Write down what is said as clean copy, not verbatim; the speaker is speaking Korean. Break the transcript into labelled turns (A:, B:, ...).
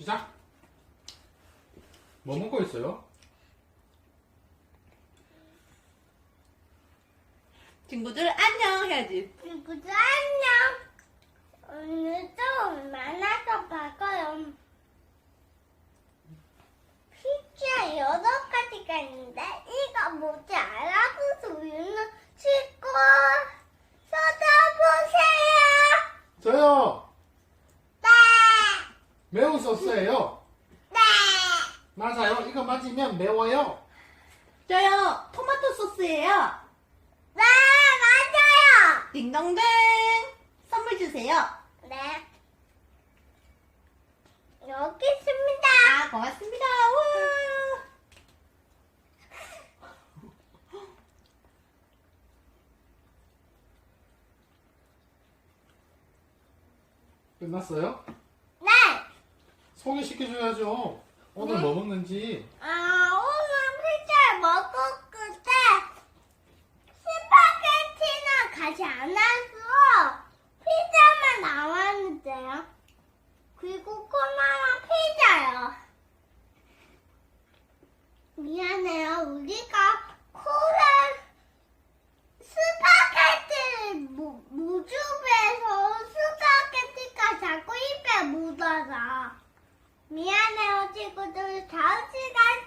A: 시작. 뭐 먹고 있어요?
B: 친구들 안녕 해야지.
C: 친구들 안녕. 오늘도 만나서 봐요. 피자 8가지가 있는데 이거 뭐지 알아보서 우유는 씻고 쏟아보세요.
A: 저요.
C: 네.
A: 매운 소스예요.
C: 네.
A: 맞아요. 이거 맞으면 매워요.
B: 저요 토마토 소스예요.
C: 네, 맞아요.
B: 딩동댕 선물 주세요.
C: 네. 여기 있습니다.
B: 아 고맙습니다. 우와.
A: 끝났어요?
C: 네.
A: 소개시켜줘야죠. 오늘 뭐 먹는지.
C: 오늘 피자를 먹었을 때 스파게티는 가지 않았어. 피자만 나왔는데요. 그리고 꼬마만 피자요. 미안해요. 우리가 코를 스파게티를 무즙에서 스파게티가 자꾸 입에 묻어서. 미안해요, 친구들. 다음 시간에